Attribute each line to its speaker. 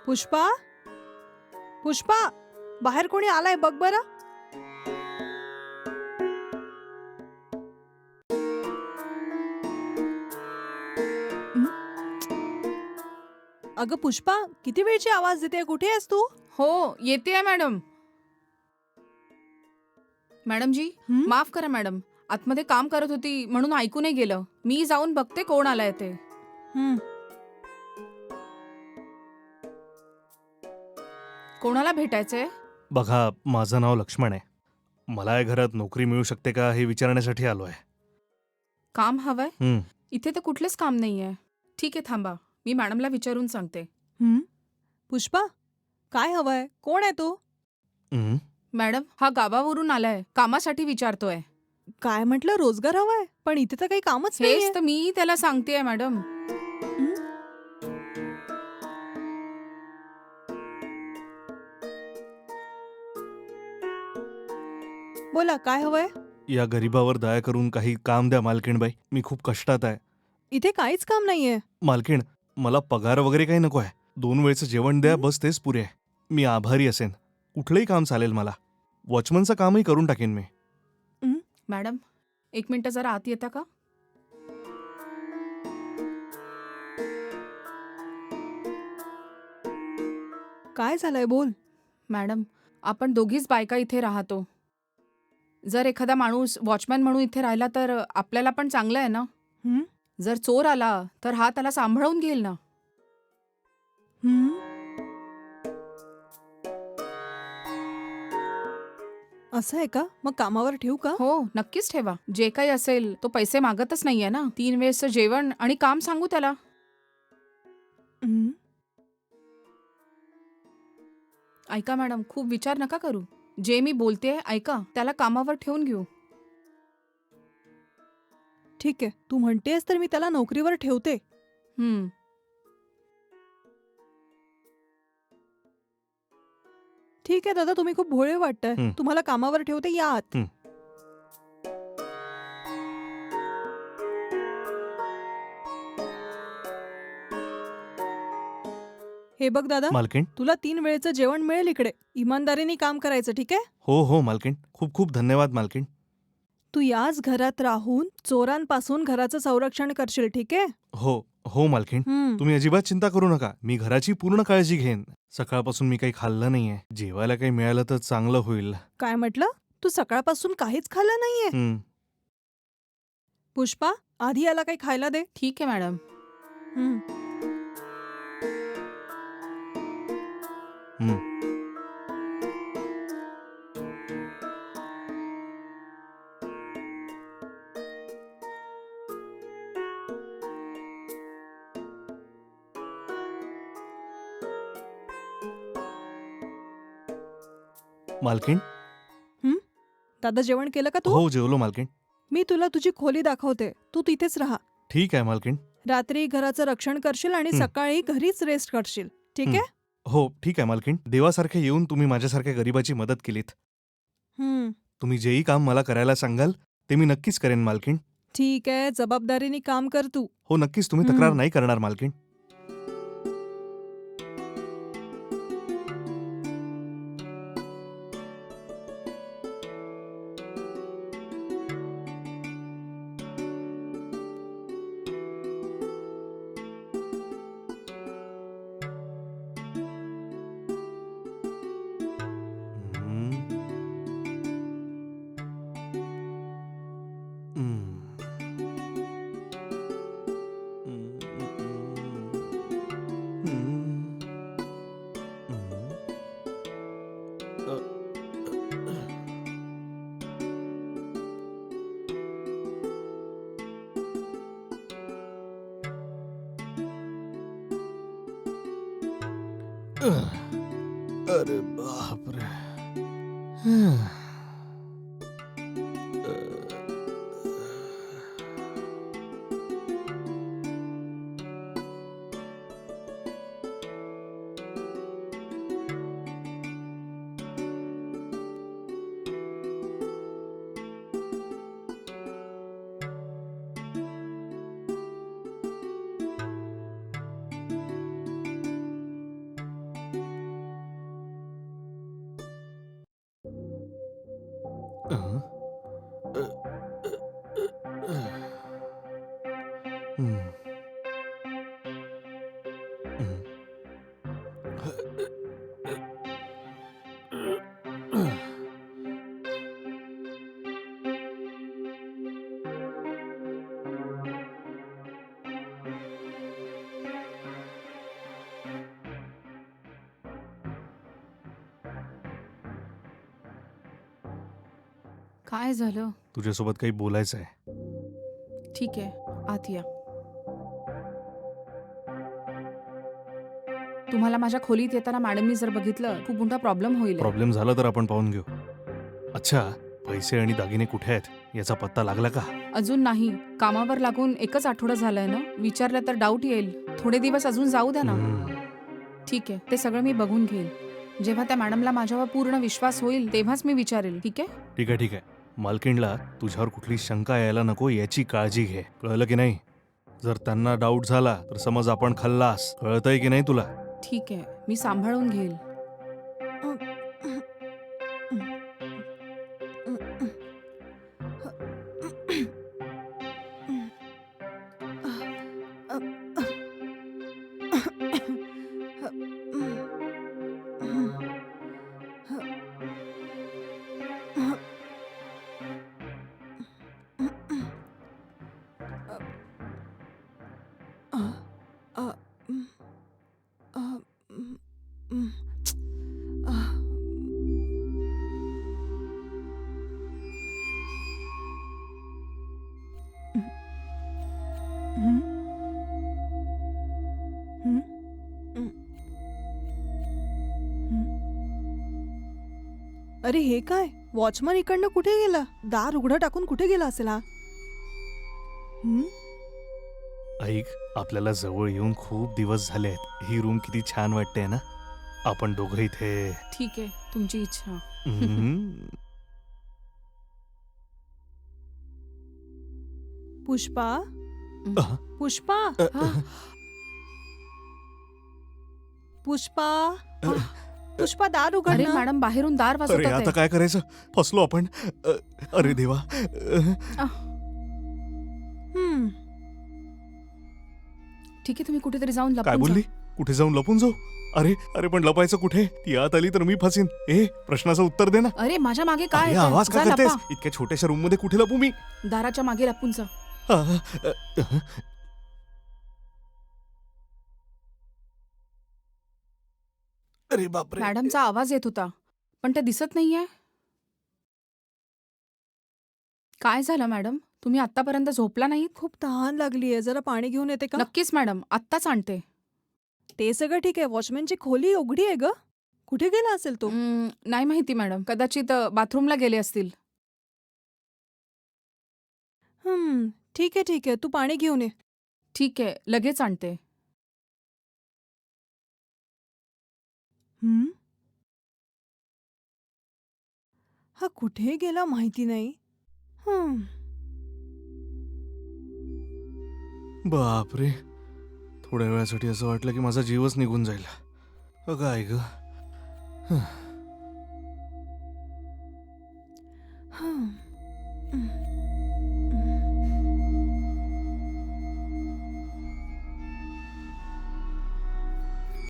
Speaker 1: पुष्पा, पुष्पा, बाहेर कोणी आलाय बघ बरं. अगं पुष्पा, किती वेळची आवाज देते, कुठे आहेस तू?
Speaker 2: हो येते मॅडम. मॅडम जी
Speaker 1: हं?
Speaker 2: माफ करा मॅडम, आतमध्ये काम करत होती म्हणून ऐकू नाही गेलं. मी जाऊन बघते कोण आलाय ते.
Speaker 1: हं.
Speaker 2: कोणाला भेटायचंय?
Speaker 3: बघा, माझं नाव लक्ष्मण आहे. मला या घरात नोकरी मिळू शकते का हे विचारण्यासाठी आलो आहे.
Speaker 2: काम हवंय?
Speaker 3: हं,
Speaker 2: इथे तर कुठलंच काम नाहीये. ठीक आहे थांबा, मी मॅडमला विचारून सांगते.
Speaker 1: हं? पुष्पा, काय हवंय? कोण आहे तू?
Speaker 3: हं.
Speaker 2: मॅडम हा गावावरून आलाय, कामासाठी विचारतोय.
Speaker 1: काय म्हटलं, रोजगार हवाय? पण इथे तर काही कामच नाहीये.
Speaker 2: हेच तर मी त्याला सांगतेय मॅडम.
Speaker 1: हं? बोला, काय हवंय?
Speaker 3: या गरिबावर दया करून काही काम द्या मालकीणबाई. मी खूप कष्टात आहे.
Speaker 1: इथे काहीच काम नाहीये.
Speaker 3: मालकीण, मला पगार वगैरे काही नको आहे. 2 वेळचं जेवण द्या,
Speaker 1: हं?
Speaker 3: बस तेच पुरे आहे. मी आभारी असेन. कुठलंही काम चालेल मला. वॉचमनचं कामही करून टाकेन मी.
Speaker 2: मॅडम 1 मिनिट जरा आत येता का?
Speaker 1: काय झालंय बोल.
Speaker 2: मॅडम आपण दोघीच बायका इथे राहतो. जर एखादा माणूस वॉचमॅन म्हणून इथे राहिला तर आपल्याला पण चांगलं आहे ना.
Speaker 1: हं?
Speaker 2: जर चोर आला तर हा त्याला सांभाळून घेईल ना.
Speaker 1: हं? असं आहे का? मग कामावर ठेवू का?
Speaker 2: हो नक्कीच ठेवा. जे काही असेल तो पैसे मागतच नाहीये ना. 3 वेळचं जेवण आणि काम सांगू त्याला.
Speaker 1: हं?
Speaker 2: ऐका मॅडम, खूप विचार नका करू. जे मी बोलते ऐका, त्याला कामावर ठेवून घेऊ.
Speaker 1: ठीक आहे, तू म्हणतेस तर मी त्याला नोकरीवर ठेवते.
Speaker 2: हम्म.
Speaker 1: ठीक आहे दादा, तुम्ही खूप भोळे वाटताय.
Speaker 3: हं.
Speaker 1: तुम्हाला कामावर ठेवते, या आत.
Speaker 3: हं.
Speaker 1: हे बघ दादा,
Speaker 3: मालकीण?
Speaker 1: तुला 3 वेळचं जेवण मिळेल इकडे. इमानदारीने काम करायचं, ठीक आहे?
Speaker 3: हो हो मालकीण. खूप खूप धन्यवाद मालकीण.
Speaker 1: तू याच घरात राहून चोरांपासून घराचं संरक्षण करशील, ठीक आहे?
Speaker 3: हो हो मालकीण.
Speaker 1: हं.
Speaker 3: तुम्ही अजिबात चिंता करू नका. मी घराची पूर्ण काळजी घेईन. सकाळपासून मी काही खाल्लं नाहीये. जेवायला काही मिळालं तर चांगलं होईल.
Speaker 1: काय म्हटलं? तू सकाळपासून काहीच खाल्लं नाहीये?
Speaker 3: हं.
Speaker 1: पुष्पा, आधी याला काही खायला दे.
Speaker 2: ठीक आहे मॅडम.
Speaker 1: हं.
Speaker 3: हं. मालकीण?
Speaker 1: दादा जेवण केलं का तू?
Speaker 3: हो जेवलो मालकीण.
Speaker 1: मी तुला तुझी खोली दाखवते. तू तिथेच राहा.
Speaker 3: ठीक आहे मालकीण.
Speaker 1: रात्री घराचं रक्षण करशील आणि
Speaker 3: हं.
Speaker 1: सकाळी घरीच रेस्ट करशील, ठीक
Speaker 3: हं.
Speaker 1: आहे?
Speaker 3: हो ठीक आहे मालकीण. देवासारखे येऊन तुम्ही माझ्यासारख्या गरिबाची मदत केलीत.
Speaker 1: हं.
Speaker 3: तुम्ही जेही काम मला करायला सांगाल ते मी नक्कीच करेन मालकीण.
Speaker 1: ठीक आहे, जबाबदारीने काम कर तू.
Speaker 3: हो नक्कीच, तुम्ही
Speaker 1: हं.
Speaker 3: तक्रार नाही करणार मालकीण. हं. हं. अरे बापरे. हं. हं.
Speaker 2: काय झालं?
Speaker 3: तुझ्यासोबत काही बोलायचं आहे.
Speaker 2: ठीक आहे, आत या. तुम्हाला माझ्या खोलीत येताना मॅडमनी जर बघितलं, खूप मोठा प्रॉब्लेम होईल.
Speaker 3: प्रॉब्लेम झाला तर आपण पाहून घेऊ. अच्छा, पैसे आणि दागिने कुठे आहेत याचा पत्ता लागला का?
Speaker 2: अजून नाही. कामावर लागून 1च आठवडा झालाय ना. विचारलं तर डाऊट येईल. थोडे दिवस अजून जाऊ द्या ना.
Speaker 3: हं.
Speaker 2: ठीक आहे, ते सगळं मी बघून घेईन. जेव्हा त्या मॅडमला माझ्यावर पूर्ण विश्वास होईल तेव्हाच मी विचारेल. ठीक आहे?
Speaker 3: ठीक आहे, ठीक आहे. मालकीणला तुझ्यावर कुठली शंका यायला नको याची काळजी घे. कळलं की नाही? जर त्यांना डाऊट झाला तर समज आपण खल्लास. कळतंय की नाही तुला?
Speaker 2: ठीक आहे, मी सांभाळून घेईल.
Speaker 1: अरे हे काय? वॉचमन इकडनं कुठे गेला? दार उघडं टाकून कुठे गेला असेल हा? हं?
Speaker 3: ऐक, आपल्याला जवळ येऊन खूप दिवस झाले आहेत. ही रूम किती छान वाटते ना. आपण दोघं इथे.
Speaker 2: ठीक आहे, तुमची इच्छा.
Speaker 3: हम्म.
Speaker 1: पुष्पा?
Speaker 3: अह,
Speaker 1: पुष्पा?
Speaker 2: हा,
Speaker 1: पुष्पा? पुष्पा दार उघड
Speaker 2: अरे
Speaker 1: ना.
Speaker 2: मॅडम बाहेरून दार
Speaker 3: अरे
Speaker 2: वाजवतात
Speaker 3: आता
Speaker 2: आहे.
Speaker 3: काय करायचं? फसलो आपण. अरे देवा.
Speaker 1: हं.
Speaker 2: ठीक आहे, तुम्ही कुठेतरी जाऊन
Speaker 3: काय
Speaker 2: लपून
Speaker 3: बोलली?
Speaker 2: जा.
Speaker 3: कुठे जाऊन लपून जाऊ? अरे अरे पण लपायचं कुठे? ती आत आली तर मी फसीन. प्रश्नाचं उत्तर दे ना.
Speaker 2: अरे माझ्या मागे काय
Speaker 3: अरे
Speaker 2: येतंय?
Speaker 3: आवाज का
Speaker 2: जा
Speaker 3: करतेस?
Speaker 2: लपा.
Speaker 3: इतक्या छोट्याशा रूम मध्ये कुठे लपू मी?
Speaker 2: दाराच्या मागे लपून जा.
Speaker 3: आह, अह. अरे बापरे.
Speaker 2: मॅडमचा आवाज येत होता, पण ते दिसत नाहीये. काय झालं मॅडम? तुम्ही आतापर्यंत झोपला नाहीत?
Speaker 1: खूप तहान लागलीये. जरा पाणी घेऊन येते का?
Speaker 2: नक्कीच मॅडम, आत्ताच आणते.
Speaker 1: ते सगळं ठीक आहे. वॉचमॅनची खोली उघडी आहे ग. कुठे गेला असेल तो?
Speaker 2: नाही माहिती मॅडम, कदाचित बाथरूमला गेले असतील.
Speaker 1: ठीक आहे ठीक आहे. तू पाणी घेऊन ये.
Speaker 2: ठीक आहे, लगेच आणते.
Speaker 1: हं? हा कुठे गेला माहिती नाही.
Speaker 3: बापरे. थोड्या वेळासाठी असं वाटलं की माझा जीवच निघून जाईल. काय ग.